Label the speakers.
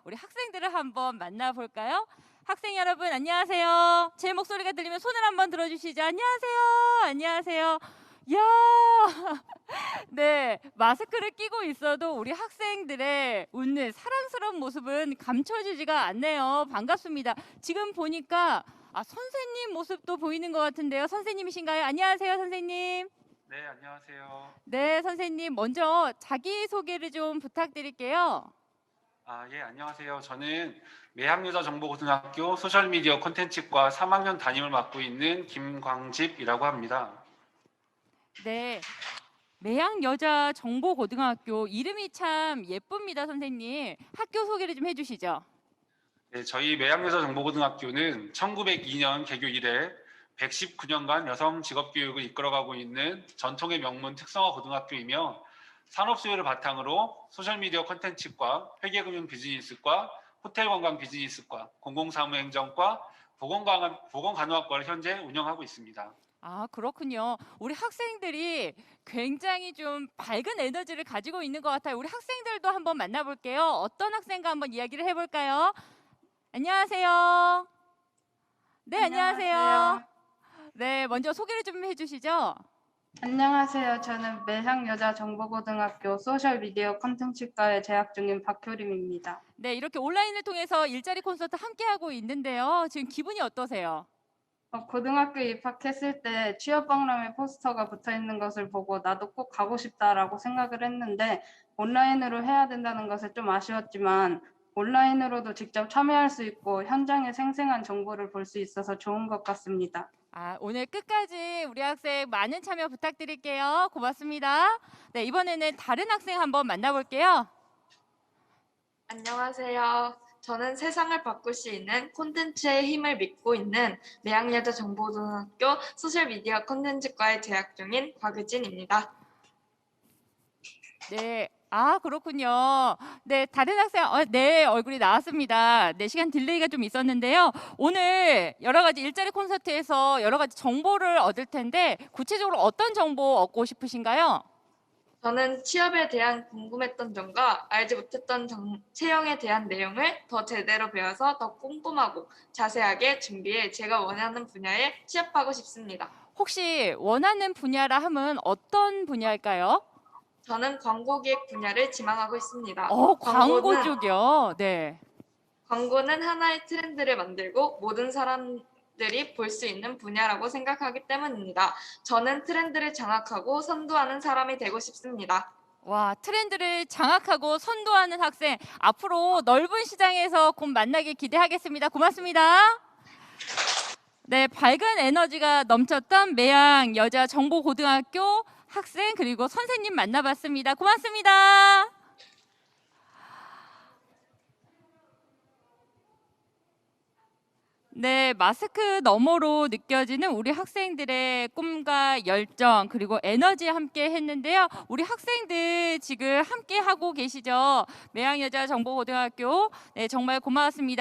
Speaker 1: 우리 학생들을 한번 만나볼까요? 학생 여러분 안녕하세요. 제 목소리가 들리면 손을 한번 들어주시죠. 안녕하세요. 안녕하세요. 야, 네, 마스크를 끼고 있어도 우리 학생들의 웃는 사랑스러운 모습은 감춰지지가 않네요. 반갑습니다. 지금 보니까 선생님 모습도 보이는 것 같은데요. 선생님이신가요? 안녕하세요, 선생님.
Speaker 2: 네, 안녕하세요.
Speaker 1: 네, 선생님 먼저 자기소개를 좀 부탁드릴게요.
Speaker 2: 예, 안녕하세요. 저는 매학여자정보고등학교 소셜미디어 콘텐츠과 3학년 담임을 맡고 있는 김광집이라고 합니다.
Speaker 1: 네, 매양여자정보고등학교 이름이 참 예쁩니다, 선생님. 학교 소개를 좀 해주시죠.
Speaker 2: 네, 저희 매학여자정보고등학교는 1902년 개교 이래 119년간 여성 직업교육을 이끌어가고 있는 전통의 명문 특성화 고등학교이며 산업 수요를 바탕으로 소셜미디어 콘텐츠과 회계금융 비즈니스과 호텔관광 비즈니스과 공공사무행정과 보건간호학과를 현재 운영하고 있습니다.
Speaker 1: 그렇군요. 우리 학생들이 굉장히 좀 밝은 에너지를 가지고 있는 것 같아요. 우리 학생들도 한번 만나볼게요. 어떤 학생과 한번 이야기를 해볼까요? 안녕하세요. 네, 안녕하세요. 네, 먼저 소개를 좀 해주시죠.
Speaker 3: 안녕하세요. 저는 매향여자정보고등학교 소셜미디어 콘텐츠과에 재학 중인 박효림입니다.
Speaker 1: 네, 이렇게 온라인을 통해서 일자리 콘서트 함께하고 있는데요. 지금 기분이 어떠세요?
Speaker 3: 고등학교 입학했을 때 취업박람회 포스터가 붙어 있는 것을 보고 나도 꼭 가고 싶다라고 생각을 했는데 온라인으로 해야 된다는 것에 좀 아쉬웠지만 온라인으로도 직접 참여할 수 있고 현장의 생생한 정보를 볼 수 있어서 좋은 것 같습니다.
Speaker 1: 오늘 끝까지 우리 학생 많은 참여 부탁드릴게요. 고맙습니다. 네, 이번에는 다른 학생 한번 만나볼게요.
Speaker 4: 안녕하세요. 저는 세상을 바꿀 수 있는 콘텐츠의 힘을 믿고 있는 매양여자정보고등학교 소셜미디어 콘텐츠과에 재학 중인 곽유진입니다.
Speaker 1: 네, 그렇군요. 네, 다른 학생, 네, 얼굴이 나왔습니다. 네, 시간 딜레이가 좀 있었는데요. 오늘 여러 가지 일자리 콘서트에서 여러 가지 정보를 얻을 텐데 구체적으로 어떤 정보 얻고 싶으신가요?
Speaker 4: 저는 취업에 대한 궁금했던 점과 알지 못했던 채용에 대한 내용을 더 제대로 배워서 더 꼼꼼하고 자세하게 준비해 제가 원하는 분야에 취업하고 싶습니다.
Speaker 1: 혹시 원하는 분야라 하면 어떤 분야일까요?
Speaker 4: 저는 광고기획 분야를 지망하고 있습니다.
Speaker 1: 광고 쪽이요. 네.
Speaker 4: 광고는 하나의 트렌드를 만들고 모든 사람들이 볼 수 있는 분야라고 생각하기 때문입니다. 저는 트렌드를 장악하고 선도하는 사람이 되고 싶습니다.
Speaker 1: 와, 트렌드를 장악하고 선도하는 학생, 앞으로 넓은 시장에서 곧 만나길 기대하겠습니다. 고맙습니다. 네, 밝은 에너지가 넘쳤던 매양여자정보고등학교 학생 그리고 선생님 만나봤습니다. 고맙습니다. 네, 마스크 너머로 느껴지는 우리 학생들의 꿈과 열정 그리고 에너지 함께 했는데요. 우리 학생들 지금 함께 하고 계시죠? 매양여자정보고등학교. 네, 정말 고마웠습니다.